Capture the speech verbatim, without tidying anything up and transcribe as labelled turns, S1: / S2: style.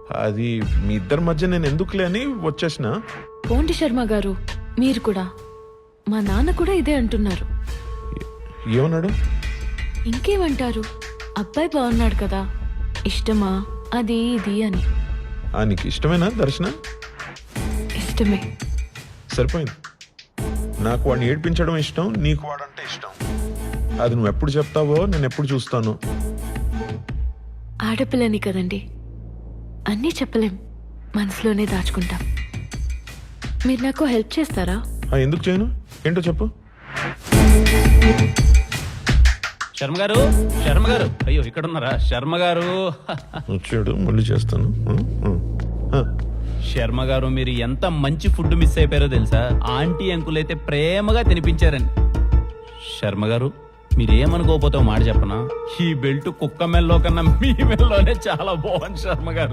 S1: అది మీ ఇద్దరి మధ్య నేను ఎందుకులే అని వచ్చేసిన.
S2: పోండి శర్మ గారు, మీరు కూడా. మా నాన్న కూడా ఇదే అంటున్నారు.
S1: ఏమన్నాడు?
S2: ఇంకేమంటారు, అబ్బాయి బాగున్నాడు కదా, ఇష్టమా అది ఇది అని.
S1: ఆ నీకు ఇష్టమేనా దర్శన?
S2: ఇష్టమే.
S1: సరిపోయింది. నాకు వాడిని ఏడ్పించడం ఇష్టం, నీకు వాడంటే ఇష్టం. అది నువ్వు ఎప్పుడు చెప్తావో నేను ఎప్పుడు చూస్తాను.
S2: ఆడపిల్లని కదండి, అన్నీ చెప్పలేం, మనసులోనే దాచుకుంటాం. మీరు నాకు హెల్ప్ చేస్తారా?
S1: ఆ, ఎందుకు చేయను? ఏంటో చెప్పు.
S3: శర్మ గారు, శర్మ గారు, అయ్యో ఇక్కడ ఉన్నారా శర్మ గారు?
S1: వచ్చాడు, మళ్ళీ చేస్తాను. ఆ, ఆ, ఆ.
S3: శర్మ గారు, మీరు ఎంత మంచి ఫుడ్ మిస్ అయిపోయారో తెలుసా? ఆంటీ అంకుల్ అయితే ప్రేమగా తినిపించారండి. శర్మ గారు, మీరేమనుకోకపోతే మాట చెప్పనా, ఈ బెల్ట్ కుక్క మెల్లో కన్నా మీ మెల్లోనే చాలా బాగుంది శర్మ గారు.